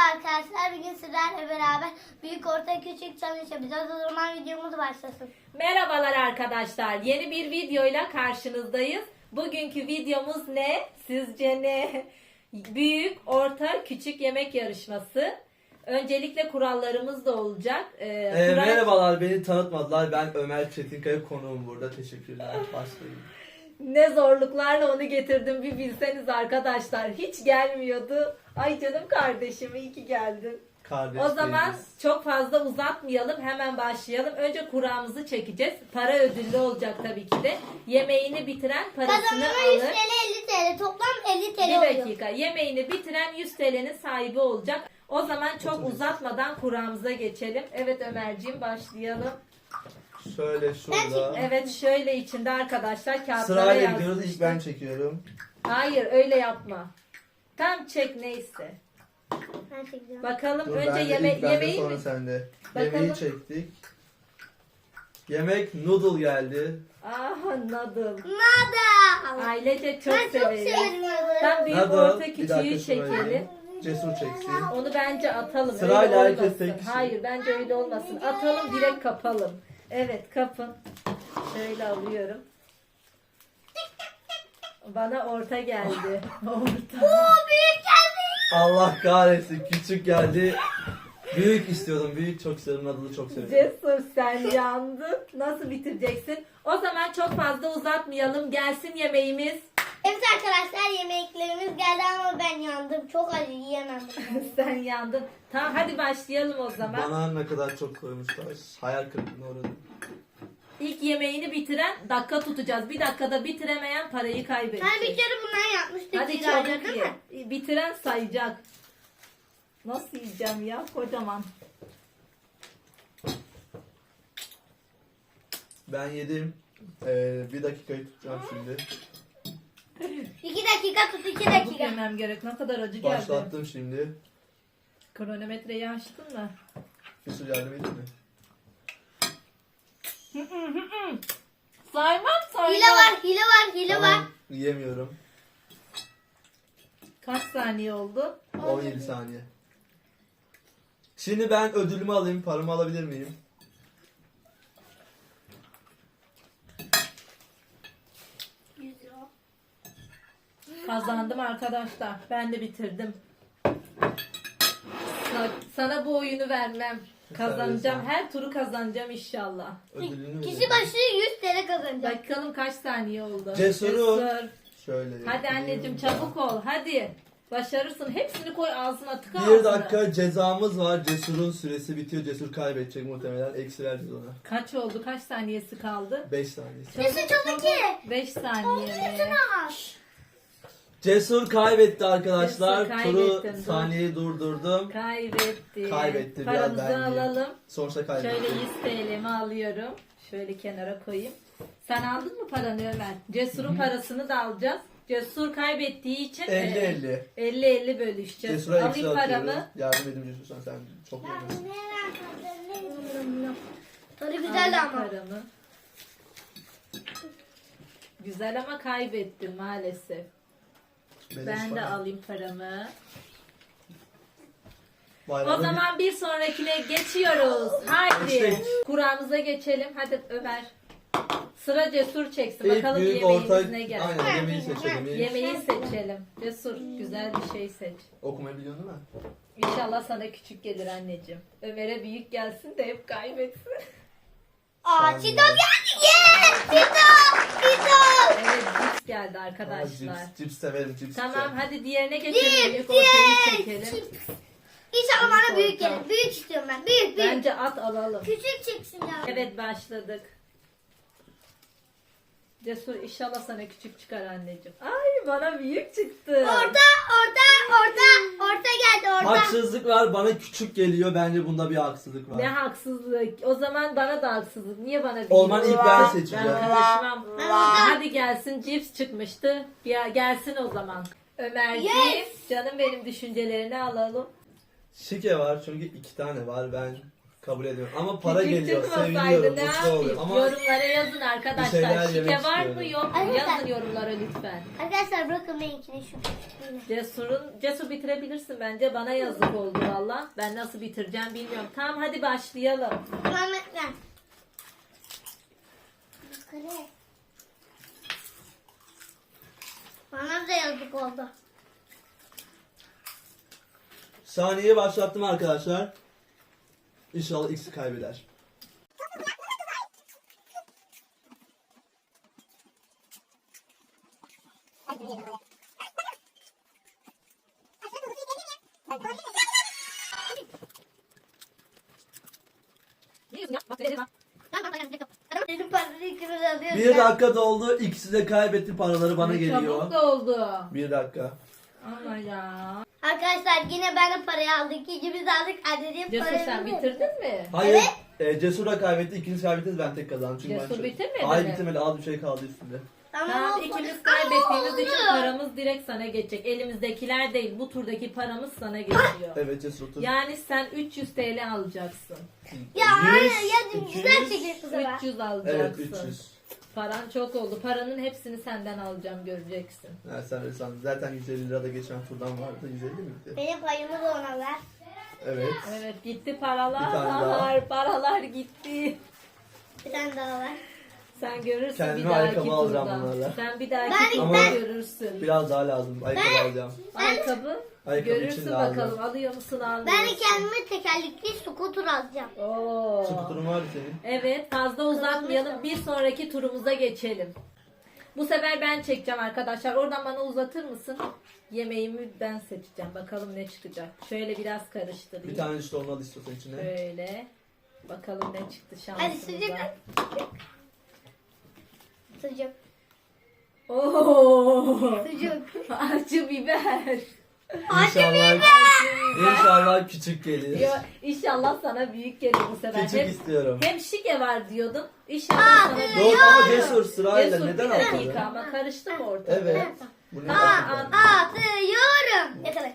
arkadaşlar. Bugün sizlerle beraber büyük orta küçük challenge yapacağız. O zaman videomuz başlasın. Merhabalar arkadaşlar. Yeni bir videoyla karşınızdayız. Bugünkü videomuz ne? Sizce ne? Büyük, orta, küçük yemek yarışması. Öncelikle kurallarımız da olacak. Merhabalar, beni tanıtmadılar. Ben Ömer Çetinkaya, konuğum burada. Teşekkürler. Başlayın. Ne zorluklarla onu getirdim bir bilseniz arkadaşlar. Hiç gelmiyordu. Ay canım kardeşim, iyi ki geldin. Kardeş O zaman değiliz. çok fazla uzatmayalım, hemen başlayalım. Önce kuramızı çekeceğiz. Para ödüllü olacak tabii ki de. Yemeğini bitiren parasını Kazanana 100 alır. TL 50 TL. Toplam 50 TL Bir oluyor. dakika. Yemeğini bitiren 100 TL'nin sahibi olacak. O zaman çok Oturun. uzatmadan kuramıza geçelim. Evet Ömerciğim, başlayalım. Şöyle şurada. Evet, şöyle içinde arkadaşlar kağıtlara Sırayla gidiyoruz. İlk yazmıştım. ben çekiyorum. Hayır, öyle yapma. Tam çek neyse. Ben çekeceğim. Bakalım Dur, önce ben de yeme ilk bende, yemeği sonra mi? sende. Bakalım. Yemeği çektik. Yemek noodle geldi. Ah, noodle. Nada. Ailece çok Ben çok severiz. severim noodle. Tam büyük Noodle, orta bir küçüğü dakika şuraya. çekelim. Cesur çeksin. Onu bence atalım. Sırayla öyle herkes olmasın. tek kişi. Hayır, bence öyle olmasın. Atalım, direkt kapalım. Evet, kapın. Şöyle alıyorum. Bana orta geldi. Orta. Büyük geldi. Allah kahretsin, küçük geldi. Büyük istiyordum. Büyük çok seviyorum. Noodle'ı çok seviyorum. Cesur, sen yandın. Nasıl bitireceksin? O zaman çok fazla uzatmayalım. Gelsin yemeğimiz. Evet arkadaşlar, yemeklerimiz geldi ama ben yandım. Çok acı, yiyemem. Sen yandın. Tamam, hadi başlayalım o zaman. Bana ne kadar çok koymuşlar. Hayal kırıklığına uğradım. İlk yemeğini bitiren dakika tutacağız. Bir dakikada bitiremeyen parayı kaybedecek. Ben bir kere bundan yapmıştık. Hadi İlayda, çabuk değil ye. mi? Bitiren sayacak. Nasıl yiyeceğim ya? Kocaman. Ben yedim. Bir dakikayı tutacağım şimdi. 2 dakika tut, 2 Çabuk dakika. yemem gerek. Ne kadar acı geldi. Başlattım şimdi. Kronometreyi açtın mı? Cesur yardım edin mi? Saymam. Hile var. Tamam, yiyemiyorum. Kaç saniye oldu? 17 saniye. Şimdi ben ödülümü alayım. Paramı alabilir miyim? Kazandım arkadaşlar. Ben de bitirdim. Sana bu oyunu vermem. Kazanacağım. Her turu kazanacağım inşallah. Ödülünü Kişi vereyim. başı 100 TL kazanacak. Bakalım kaç saniye oldu. Cesur. Şöyle. Hadi yapayım. anneciğim, çabuk ol. Hadi. Başarırsın. Hepsini koy ağzına, tıka Bir ağzına. dakika cezamız var. Cesur'un süresi bitiyor. Cesur kaybedecek muhtemelen. Eksi vereceğiz ona. Kaç oldu? Kaç saniyesi kaldı? 5 saniye. Cesur çabuk ye. 5 saniye mi? Cesur kaybetti arkadaşlar. Cesur Turu kaybettin, dur. saniyeyi durdurdum. Kaybetti. Kaybetti. Biraz Paramızı ben yiyeyim. alalım. Sonuçta kaybetti. Şöyle 100 TL'mi alıyorum. Şöyle kenara koyayım. Sen aldın mı paranı Ömer? Cesur'un parasını da alacağız. Cesur kaybettiği için 50-50. 50-50 bölüşeceğiz. Cesur'a eksi Alayım atıyoruz. paramı. Yardım edin Cesur, sen çok yemesin. Tadı Alayım güzel ama. paramı. Güzel ama kaybettim maalesef. Ben de alayım paramı. O zaman bir sonrakine geçiyoruz. Haydi. Geçtik. Kuramıza geçelim. Hadi Ömer. Sıra Cesur çeksin. İlk Bakalım büyük yemeğimiz orta... ne geldi. Aynen, yemeği seçelim. Yemeği seçelim. Cesur, güzel bir şey seç. Okumayı biliyorsun değil mi? İnşallah sana küçük gelir anneciğim. Ömer'e büyük gelsin de hep kaybetsin. Aa, Çito geldi. Yes! Çito! Evet, cips geldi Aa, arkadaşlar. cips severim. Cips Tamam, severim. hadi diğerine geçelim. Cips, Büyük ortayı cips, çekelim. cips. İnşallah bana büyük Orta. gelir. Büyük istiyorum ben. Büyük. Bence at alalım. Küçük çıksın ya. Evet, başladık. Cesur, inşallah sana küçük çıkar anneciğim. Ay, bana büyük çıktı. Orta geldi orta. Haksızlık var, bana küçük geliyor. Bence bunda bir haksızlık var. Ne haksızlık. O zaman bana da haksızlık. Niye bana büyük? O zaman ilk ben Ben seçeceğim. karışmam. Ben Hadi gelsin, cips çıkmıştı. Ya gelsin o zaman. Ömerciğim, Yes. canım benim, düşüncelerini alalım. Şike var çünkü 2 tane var. Ben Kabul ediyorum. Ama para Küçük geliyor. çıkmasaydı Seviniyorum. ne Mutlu yapayım? oluyorum. Ama Yorumlara yazın bir şeyler arkadaşlar. Şike yemek var mı istiyorum. yok mu? Arkadaşlar- Yazın yorumlara lütfen. Arkadaşlar bırakın benimkini şu küçüklüğüne. Cesur bitirebilirsin bence. Bana yazık oldu valla. Ben nasıl bitireceğim bilmiyorum. Tamam hadi başlayalım. Tamam ben. Kale. Bana da yazık oldu. saniyeyi başlattım arkadaşlar. İnşallah X'i kaybeder. Benim paraları ikimiz alıyoruz. 1 dakika doldu. İkisi de kaybetti. Paraları bana geliyor. Çabuk oldu. 1 dakika. Ama ya. Arkadaşlar yine ben de parayı aldık. İkimiz aldık. Anneciğim Cesur parayı sen bitirdin mi? Hayır. Cesur da kaybetti. İkiniz kaybettiniz. Ben tek kazandım. Çünkü Cesur ben bitirmedi Hayır mi? bitirmedi. Az bir şey kaldı üstünde. Tamam oldu. ikimiz Ama kaybettiğimiz oldu. için paramız direkt sana geçecek. Elimizdekiler değil. Bu turdaki paramız sana geçiyor. Evet Cesur otur. Yani sen 300 TL alacaksın. Ya 100, anne ya güzel 200. çekecek bu sefer. 300 Evet alacaksın. 300. Paran çok oldu. Paranın hepsini senden alacağım göreceksin. Ha, sen öyle sandın. Zaten 150 lira da geçen turdan vardı. 150 miydi? Benim payımı da ona ver. Evet. Evet gitti Bir tane daha. paralar. Paralar gitti. Bir tane daha ver. Sen görürsün Kendime bir dahaki ayakkabı alacağım turda. bunlarla. Sen bir dahaki Ben- turda ben- görürsün. Biraz daha lazım. Ayakkabı alacağım. Ayakkabı. Ayakkabı için Görürsün lazım. bakalım alıyor musun almıyor Ben de musun? kendime tekerlekli scooter alacağım. Oo. Skuturun var mı senin? Evet fazla uzatmayalım. Bir sonraki turumuza geçelim. Bu sefer ben çekeceğim arkadaşlar. Oradan bana uzatır mısın? Yemeğimi ben seçeceğim. Bakalım ne çıkacak. Şöyle biraz karıştırayım. Bir tane işte onu al istiyorsan içine. Şöyle. Bakalım ne çıktı Hadi şansımıza. sıcak. Sıcak. Oo. Sıcak. Acı biber. İnşallah küçük gelir. Yo, İnşallah sana büyük gelir bu sefer. Küçük istiyorum. Hem şike var diyordun. İnşallah sana büyük. Dur ama Cesur sırayla Cesur, neden bir dakika atladın? ama karıştı mı ortada? Evet. Bu ne Aa, yapıyorsun? Atıyorum. Yakala.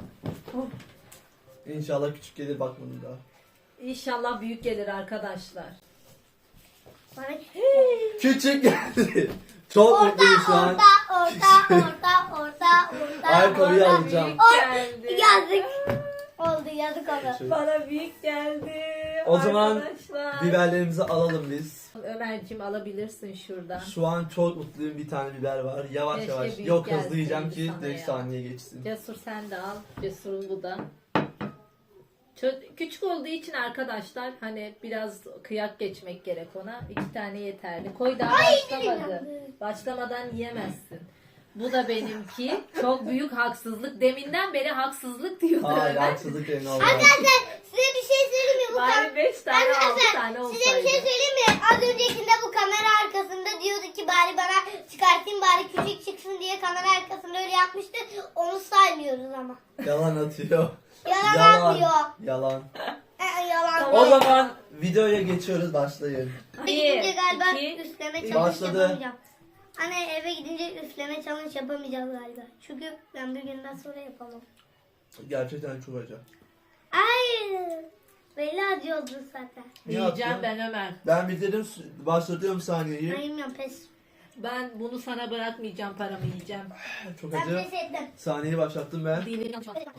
İnşallah küçük gelir bak bunu da. İnşallah büyük gelir arkadaşlar. Bana Küçük geldi. Çok mutluyum şu an. orta. Ayakkabıyı Bana alacağım. büyük geldi. Yazık. Oldu yazık oldu. Bana büyük geldi. O zaman arkadaşlar. biberlerimizi alalım biz. Ömerciğim alabilirsin şuradan. Şu an çok mutluyum, bir tane biber var. Yavaş Keşke yavaş. büyük Yok hızlı gelseydi yiyeceğim ki sana direkt ya. saniye geçsin. Cesur sen de al. Cesur'un bu da. Küçük olduğu için arkadaşlar hani biraz kıyak geçmek gerek ona. 2 tane yeterli. Koy daha başlamadı. Başlamadan yiyemezsin. Bu da benimki. Çok büyük haksızlık. Deminden beri haksızlık diyordu Hayır Ömer. haksızlık emin olmaz. Arkadaşlar size bir şey söyleyeyim mi? Bu Bari 5 tane 6 Arkadaşlar tane size bir olsaydı. şey söyleyeyim mi? Az öncekinde bu kamera arkasında diyordu ki bari bana çıkartayım bari küçük çıksın diye kamera arkasında öyle yapmıştı. Onu saymıyoruz ama. Yalan atıyor. Yalan atmıyor. Yalan. Yalan. Tamam. O zaman videoya geçiyoruz, başlayın. Eve gidince galiba iki, üfleme üç. challenge Başladı. yapamayacağım. Anne eve gidince üfleme challenge yapamayacağız galiba. Çünkü ben bir günden sonra yapamam. Gerçekten çok acı. Hayır. Belli acı oldu zaten. Niye Yiyeceğim atıyorsun? ben Ömer. Ben bitirdim, başlatıyorum saniyeyi. Hayır ya pes. Ben bunu sana bırakmayacağım, paramı yiyeceğim. Çok Ben acı. pes ettim. Saniyeyi başlattım ben. Dilim yanlış oldu.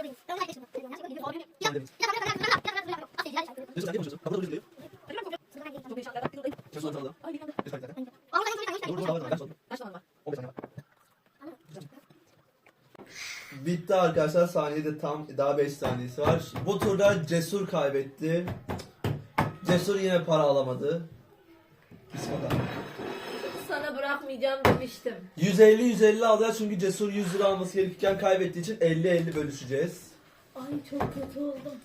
Bitti arkadaşlar, saniyede tam daha 5 saniyesi var. Bu turda Cesur kaybetti. Cesur yine para alamadı. Bismillah. Sana bırakmayacağım demiştim. 150 alacağız çünkü Cesur 100 lira alması gerekirken kaybettiği için 50-50 bölüşeceğiz. Ay çok kötü oldum.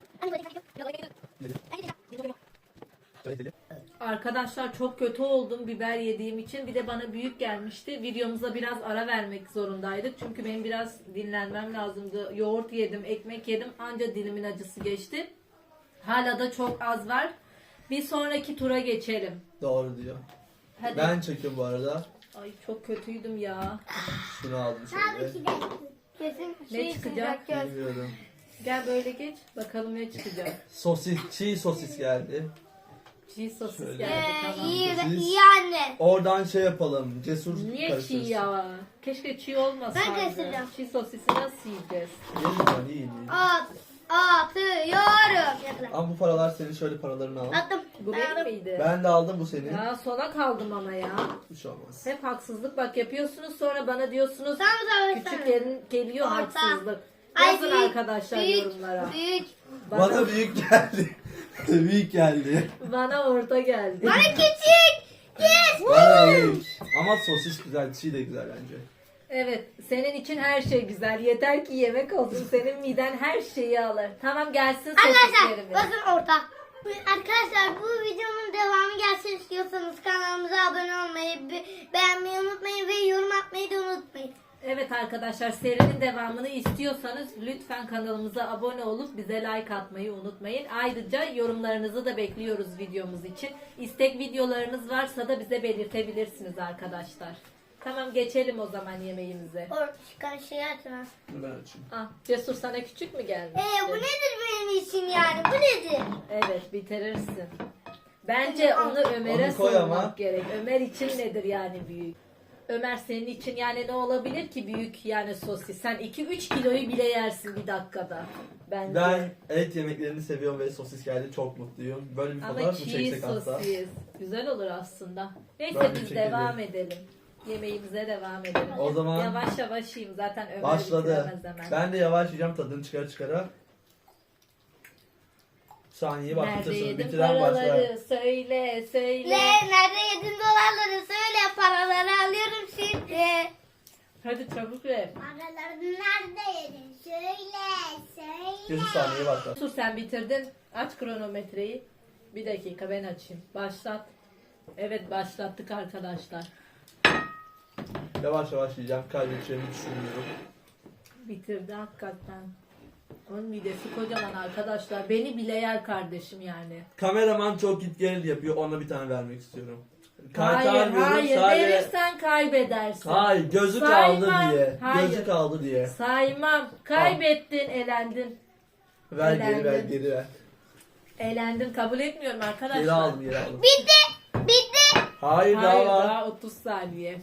Arkadaşlar çok kötü oldum biber yediğim için. Bir de bana büyük gelmişti. Videomuza biraz ara vermek zorundaydık. Çünkü benim biraz dinlenmem lazımdı. Yoğurt yedim, ekmek yedim. Anca dilimin acısı geçti. Hala da çok az var. Bir sonraki tura geçelim. Doğru diyor. Hadi. Ben çekiyorum bu arada. Ay çok kötüydüm ya. Şunu aldım şöyle. Kesin Ne şey çıkacak? göz. Bilmiyorum. Gel böyle geç. Bakalım ne çıkacak. Sosis, çiğ sosis geldi. Çiğ sosis Şöyle. geldi tamam. İyi, Siz- iyi anne. Oradan şey yapalım. Cesur Niye çiğ karıştırsın. ya? Keşke çiğ olmasaydı. Ben karıştıracağım. Çiğ sosisi nasıl yiyeceğiz? Yiyin lan, yiyin. Atıyorum. Yapalım. Ama bu paralar senin, şöyle paralarını al. Attım. Bu benim miydi? Ben de aldım, bu senin. Ya sona kaldım ama ya. Bir şey olmaz. Hep haksızlık bak yapıyorsunuz sonra bana diyorsunuz Tamam. küçük yerin geliyor Orta. haksızlık. Ay, Yazın büyük, arkadaşlar büyük, yorumlara. Büyük. Bana büyük geldi. Büyük geldi. Bana orta geldi. Bana küçük. Yes. Bana büyük. Ama sosis güzel, çiğ de güzel bence. Evet senin için her şey güzel. Yeter ki yemek olsun. Senin miden her şeyi alır. Tamam gelsin Arkadaşlar sosislerimiz. bakın orta. Arkadaşlar bu videonun devamı gelsin istiyorsanız kanalımıza abone olmayı, beğenmeyi unutmayın ve yorum atmayı da unutmayın. Evet arkadaşlar serinin devamını istiyorsanız lütfen kanalımıza abone olup bize like atmayı unutmayın. Ayrıca yorumlarınızı da bekliyoruz videomuz için. İstek videolarınız varsa da bize belirtebilirsiniz arkadaşlar. Tamam geçelim o zaman yemeğimize. Çıkan şeyi açma. Dur ben açayım. Ah, Cesur sana küçük mü geldi? Bu nedir benim için yani? Bu nedir? Evet bitirirsin. Bence onu Ömer'e Onu koy ama. sormak gerek. Ömer için nedir yani büyük? Ömer senin için yani ne olabilir ki büyük yani sosis? Sen 2-3 kiloyu bile yersin bir dakikada. Bence. Ben et yemeklerini seviyorum ve sosis geldi, çok mutluyum. Böyle bir Ama fotoğraf mı çiğ çeksek hatta? sosis. Güzel olur aslında. Neyse Ben de biz çekelim. devam edelim. Yemeğimize devam edelim. O zaman- Yavaş yavaş yiyeyim zaten Ömer Başladı. bitiremez hemen. Ben de yavaş yiyeceğim, tadını çıkara. Saniye bak, Nerede bitirsin. yedin Bitiren paraları? başlar. Söyle. Nerede yedin dolarları? Söyle, paraları alıyorum şimdi. Hadi çabuk ver. Paraları nerede yedin? Söyle. Cesur saniye başlar. Dur sen bitirdin. Aç kronometreyi. Bir dakika ben açayım. Başlat. Evet başlattık arkadaşlar. Yavaş yavaş yiyeceğim, kaybedeceğimi düşünmüyorum. Bitirdi hakikaten. Onun midesi kocaman arkadaşlar. Beni bile yer kardeşim yani. Kameraman çok git gel yapıyor, ona bir tane vermek istiyorum. Hayır Kaytarmıyorum, verirsen kaybedersin. Hayır, gözü Saymam. kaldı diye. Hayır. Gözü kaldı diye. Saymam. Kaybettin, elendin. Ver geri, ver Eğlendim. geri ver. Elendin kabul etmiyorum arkadaşlar. Geri aldım, geri aldım. Bitti. Hayır, Hayır daha var. daha 30 saniye.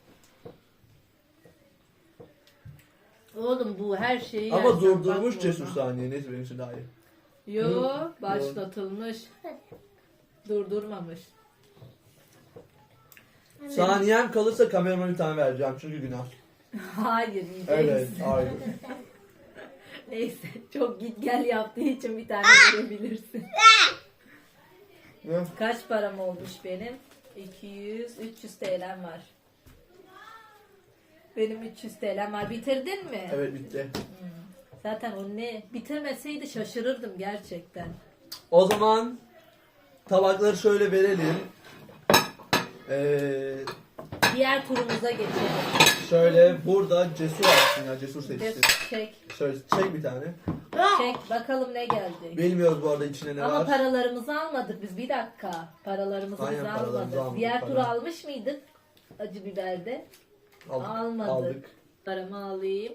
Oğlum bu her şeyi Ama yersen durdurmuş bakma Cesur ona. saniye, neyse benim için daha iyi. Yo başlatılmış. Durdurmamış. Saniyem kalırsa kameramana bir tane vereceğim çünkü günah. Hayır yiyeceksin. Evet, hayır. Neyse çok git gel yaptığı için bir tane verebilirsin. Ne? Kaç param olmuş benim? 300 TL'm var. Benim 300 TL'm var. Bitirdin mi? Evet, bitti. Zaten o ne? Bitirmeseydi şaşırırdım gerçekten. O zaman tabakları şöyle verelim. Diğer turumuza geçelim. Şöyle burada Cesur açsın ya, Cesur seçsin. Çek. Şöyle çek bir tane. Çek bakalım ne geldi. Bilmiyoruz bu arada içine ne Ama var. paralarımızı almadık biz. Bir dakika. Paralarımızı Aynen, biz paralarımızı almadık. almadık, Diğer para. turu almış mıydık? Acı biberde. Almadık. Aldık. Paramı alayım.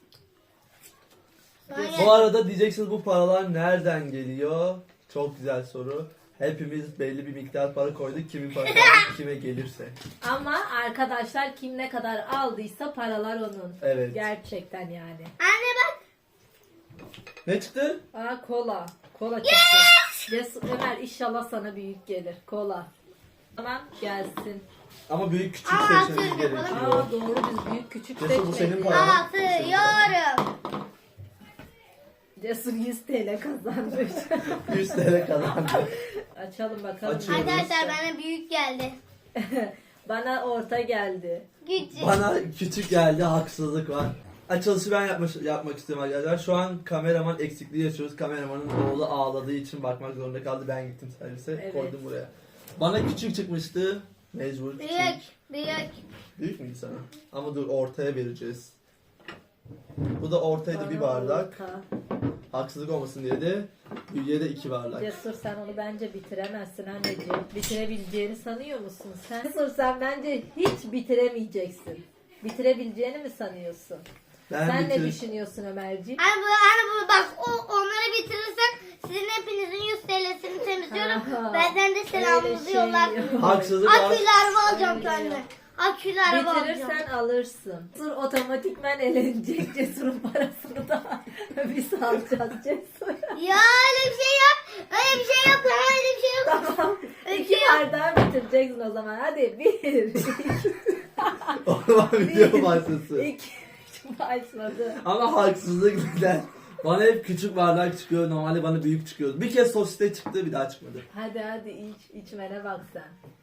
Bu arada diyeceksiniz bu paralar nereden geliyor? Çok güzel soru. Hepimiz belli bir miktar para koyduk. Kimin parası kime gelirse. Ama arkadaşlar kim ne kadar aldıysa paralar onun. Evet. Gerçekten yani. Anne bak. Ne çıktı? Aa kola. Kola çıktı. Cesur, Ömer inşallah sana büyük gelir. Kola. Tamam gelsin. Ama büyük küçük Aa, seçmemiz atıyorum, gerekiyor. Aa doğru biz büyük küçük Cesur, bu senin seçmedik. paran. Atıyorum. Cesur 100 TL kazanmış. 100 TL kazandı. Açalım bakalım. Açıyoruz. Arkadaşlar bana büyük geldi. Bana orta geldi. Küçük. Bana küçük geldi, haksızlık var. Açılışı ben yapmak istiyorum arkadaşlar. Şu an kameraman eksikliği yaşıyoruz. Kameramanın oğlu ağladığı için bakmak zorunda kaldı. Ben gittim servise, Evet. koydum buraya. Bana küçük çıkmıştı. Mecbur küçük. Büyük. Büyük müydü sana? Ama dur, ortaya vereceğiz. Bu da ortaydı, bir Bana bardak. orta. Haksızlık olmasın diye de büyüğe de 2 bardak. Cesur sen onu bence bitiremezsin anneciğim. Bitirebileceğini sanıyor musun sen? Cesur sen bence hiç bitiremeyeceksin. Bitirebileceğini mi sanıyorsun? Sen ne düşünüyorsun Ömerciğim? Hani bu bak onları bitirirsen sizin hepinizin 100 TL'sini temizliyorum. Aha, Benden de selamınızı öyle şey yollarsınız. yok. Haksızlık var. Akülü araba alacağım Öyle kendime. yok. Akülü araba alacağım. Bitirirsen alırsın. Cesur otomatikmen elenecek. Cesur'un parasını da biz alacağız Cesur. Ya öyle bir şey yok. Öyle bir şey yok. Öyle bir şey yok. Tamam. Öyle bir İki şey yok. bardağı bitireceksin o zaman. Hadi 1, O zaman video başlasın. 2, 3 başladı. Ama haksızlık neden? Bana hep küçük bardak çıkıyor. Normalde bana büyük çıkıyor. Bir kez sosiste çıktı, bir daha çıkmadı. Hadi içmene bak sen.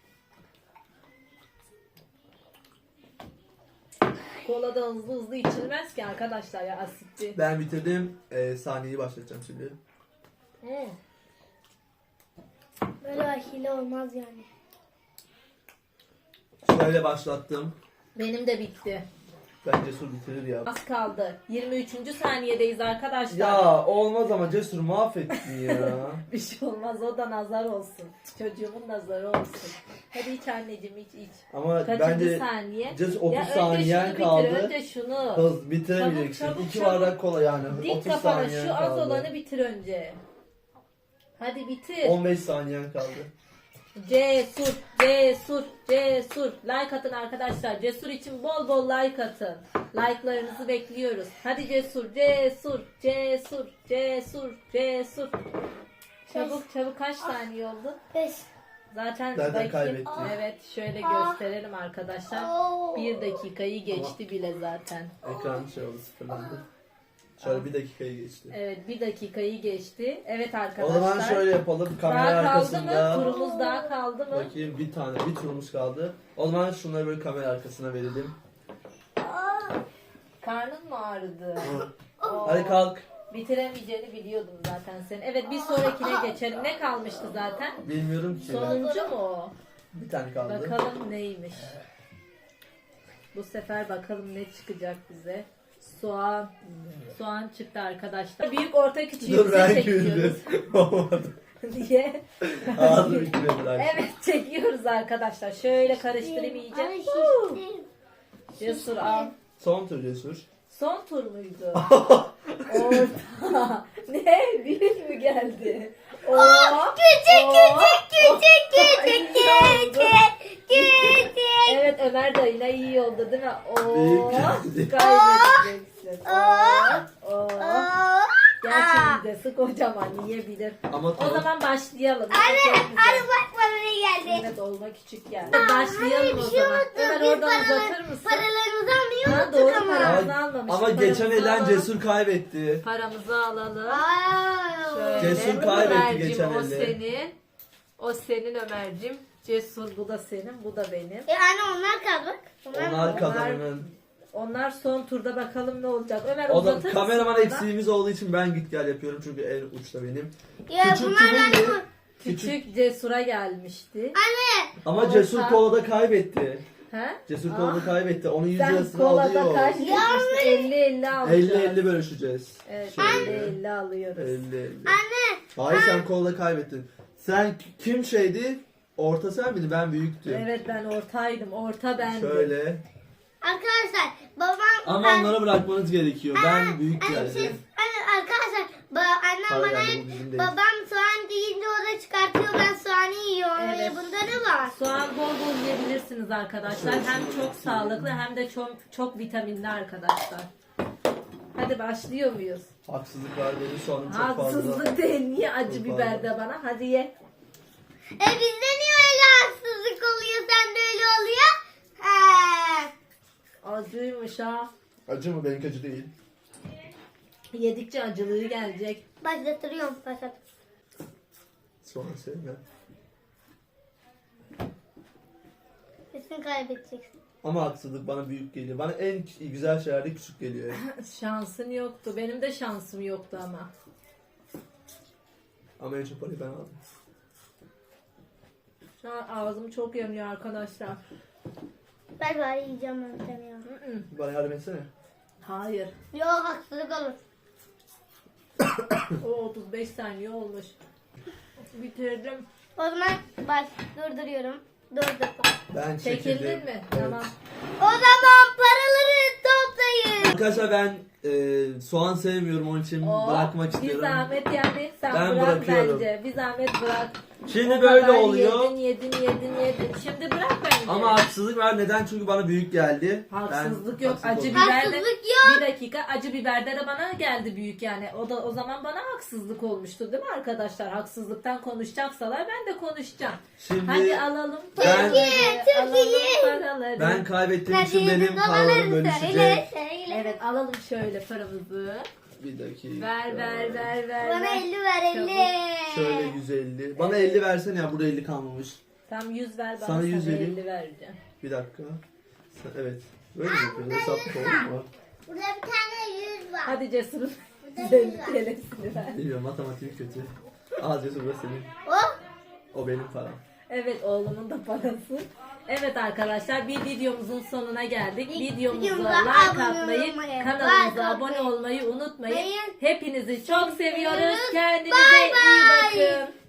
Kola da hızlı içilmez ki arkadaşlar ya, asitli. Ben bitirdim. Saniyeyi başlatacağım şimdi. Böyle hile olmaz yani. Şöyle başlattım. Benim de bitti. Ben Cesur bitirir ya. Az kaldı. 23. saniyedeyiz arkadaşlar. Ya olmaz ama Cesur mahvettin ya. Bir şey olmaz, o da nazar olsun. Çocuğumun nazarı olsun. Hadi iç anneciğim, iç. Ama Kaçıncı bence saniye? Cesur 30 Ya önce saniyen şunu kaldı. bitir, önce şunu. Hız bitiremeyeceksin. Çabuk, 2 çabuk. bardak kola yani. Dik 30 kafana, saniyen şu az kaldı. olanı bitir önce. Hadi bitir. 15 saniyen kaldı. Cesur, Cesur, Cesur. Like atın arkadaşlar. Cesur için bol bol like atın. Like'larınızı bekliyoruz. Hadi Cesur, Cesur, Cesur, Cesur, Cesur. Çabuk kaç saniye oldu? 5. Zaten Zaten kaybetti. Evet, şöyle gösterelim arkadaşlar. 1 dakikayı geçti bile zaten. Ekran şey oldu, sıfırlandı. Şöyle 1 dakikayı geçti. Evet, 1 dakikayı geçti. Evet O arkadaşlar. zaman şöyle yapalım. Kamera Daha kaldı arkasında. mı? Turumuz daha kaldı mı? Bakayım bir turumuz kaldı. O zaman şunları böyle kamera arkasına verelim. Karnın mı ağrıdı? Oo. Hadi kalk. Bitiremeyeceğini biliyordum zaten senin. Evet, bir sonrakine geçelim. Ne kalmıştı zaten? Bilmiyorum ki. Sonuncu mu o? Bir tane kaldı. Bakalım neymiş. Bu sefer bakalım ne çıkacak bize. Soğan. Soğan çıktı arkadaşlar. Büyük orta küçüğü Dur bize ben çekiyoruz. güldüm. Olmadı. Diye. Ağzım ikile bırak. Evet, çekiyoruz arkadaşlar. Şöyle karıştırayım iyice. Ay Huu. şiştim. Cesur al. Son tur Cesur. Son tur muydu? Orta. Ne? Büyük mü geldi? Oo. Küçük. Evet, Ömer dayına iyi oldu değil mi? Oo. Büyük geldi. Kaybedeceksin. Oo. Oo. Aa. Gerçi midesi kocaman, yiyebilir. Ama O tamam. zaman başlayalım. Anne bak bana ne geldi. Evet, olma küçük geldi. Başlayalım Bir o şey zaman. unuttum. Ömer Biz oradan uzatır mısın? paralarımızı almayı Ha, unuttuk doğru, ama. paramızı almamışız. Ama geçen Paramızı elen alalım. Cesur kaybetti. Paramızı alalım. Aa. Şöyle. Cesur kaybetti Ömerciğim, geçen o elde. senin. O senin Ömerciğim. Cesur, bu da senin, bu da benim. Anne onlar kaldı bak. Onlar kazananın. Onlar son turda, bakalım ne olacak. Ömer, O da uzatır kameraman mısın eksiğimiz olduğu için ben git gel yapıyorum çünkü en uçta benim. Ya Küçük bunlardan kimin mı? mi? Küçük Cesur'a gelmişti. Anne. Ama Orta. Cesur kolada kaybetti. He? Cesur Aa. kolada kaybetti. Onun 100 Sen lirasını kolada alıyor. kaç demiştin? 50-50 alacağız. 50-50 bölüşeceğiz. Evet, Şöyle. 50-50 alıyoruz. 50-50. Anne. Hayır sen kolada kaybettin. Sen kim şeydi? Orta sen miydin? Ben büyüktüm. Evet, ben ortaydım. Orta bendim. Şöyle. Arkadaşlar babam. Ama onlara bırakmanız gerekiyor. Ben büyük Anne, geldim. anne arkadaşlar annem Para bana geldi, hep bu bizim değil. babam soğan deyince o da çıkartıyor, ben soğanı yiyorum. Evet. Bunda ne var? Soğan bol bol yiyebilirsiniz arkadaşlar. Hem çok sağlıklı hem de çok vitaminli arkadaşlar. Hadi başlıyor muyuz? Haksızlık var benim soğanım çok fazla. Haksızlık değil. Niye acı Çok biber fazla. de bana? Hadi ye. Bizde niye öyle haksızlık oluyor, sende öyle oluyor? Acıymış ha. Acı mı? Benimki acı değil. Yedikçe acılığı gelecek. Başlatırıyorum. Soğan sevmem. Kesin kaybedeceksin. Ama haksızlık bana büyük geliyor. Bana en güzel şeyler de küçük geliyor. Şansın yoktu. Benim de şansım yoktu ama. Ama en çok parayı ben aldım. Şu an ağzım çok yanıyor arkadaşlar. Ben bari yiyeceğim ben ya. Bana yardım etsene. Hayır. Yok, haksızlık olur. O 35 saniye olmuş. Bitirdim. O zaman durduruyorum. Durdurdum. Ben Çekildin çekildim. mi? Evet. Tamam. O zaman paraları toplayın. Arkadaşlar ben soğan sevmiyorum, onun için bırakmak Bir istiyorum. zahmet yani sen Ben bırak bırakıyorum. bence. Bir zahmet bırak. Şimdi O böyle kadar oluyor. Yedin. Şimdi bırak bence. Ama haksızlık var. Neden? Çünkü bana büyük geldi. Haksızlık Ben yok. haksız Acı oldum. biber de, Haksızlık yok. bir dakika, acı biberde de bana geldi büyük yani. O zaman bana haksızlık olmuştu değil mi arkadaşlar? Haksızlıktan konuşacaksalar ben de konuşacağım. Şimdi Hadi alalım ben- paraları. Türkiye. Alalım paraları. ben kaybettiğim için benim Dolarları paralarım bölüşecek. söyle. Evet, alalım şöyle paramızı. Bir dakika. Ver. Bana 50 ver 50. Şöyle 150. Bana 50 versene ya, burada 50 kalmamış. Tam 100 ver bana, Sana 100 sana vereyim. 50 vereceğim. Bir dakika. Evet. Böyle mi yapıyoruz? Hesap olur mu? Burada bir tane 100 var. Hadi Cesur'un Burada 150 100 var. TL'sini ver. Bilmiyorum, matematiğim kötü. Al Cesur, burası senin. Oh. O benim param. Evet, oğlumun da parası. Evet arkadaşlar, bir videomuzun sonuna geldik. Videomuza Videomuza like abone atmayı, olmayı, kanalımıza like abone atmayı olmayı unutmayın. unutmayın. Hepinizi çok seviyoruz. seviyoruz. Kendinize Bye iyi bye. bakın.